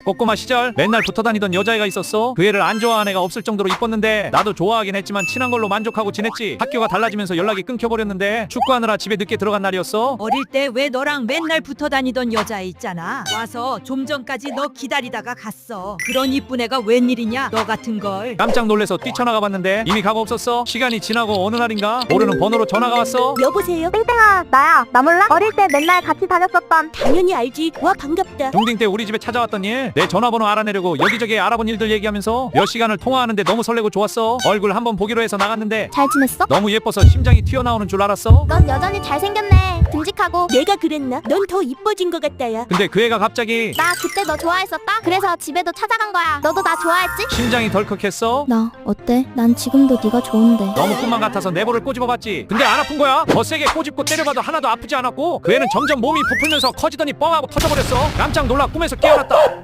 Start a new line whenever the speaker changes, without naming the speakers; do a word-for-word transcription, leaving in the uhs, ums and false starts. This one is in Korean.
꼬꼬마 시절 맨날 붙어다니던 여자애가 있었어. 그 애를 안 좋아하는 애가 없을 정도로 이뻤는데 나도 좋아하긴 했지만 친한 걸로 만족하고 지냈지. 학교가 달라지면서 연락이 끊겨버렸는데 축구하느라 집에 늦게 들어간 날이었어.
어릴 때 왜 너랑 맨날 붙어 다니던 여자 있잖아. 와서 좀 전까지 너 기다리다가 갔어. 그런 이쁜 애가 웬일이냐 너 같은 걸.
깜짝 놀래서 뛰쳐나가 봤는데 이미 가고 없었어. 시간이 지나고 어느 날인가 모르는 번호로 전화가 왔어.
여보세요?
땡땡아, 나야. 나 몰라? 어릴 때 맨날 같이 다녔었던.
당연히 알지. 와 반갑다.
중딩 때 우리 집에 찾아왔던 일, 내 전화번호 알아내려고 여기저기 알아본 일들 얘기하면서 몇 시간을 통화하는데 너무 설레고 좋았어. 얼굴 한번 보기로 해서 나갔는데
잘 지냈어?
너무 예뻐서 심장이 튀어나오는 줄 알았어.
넌 여전히 잘생겼네. 듬직하고.
내가 그랬나? 넌 더 이뻐진 것 같다야.
근데 그 애가 갑자기
나 그때 너 좋아했었다. 그래서 집에도 찾아간 거야. 너도 나 좋아했지?
심장이 덜컥했어.
나 어때? 난 지금도 네가 좋은데.
너무 꿈만 같아서 내볼을 꼬집어봤지. 근데 안 아픈 거야. 더 세게 꼬집고 때려봐도 하나도 아프지 않았고 그 애는 점점 몸이 부풀면서 커지더니 뻥하고 터져버렸어. 깜짝 놀라 꿈에서 깨어났다.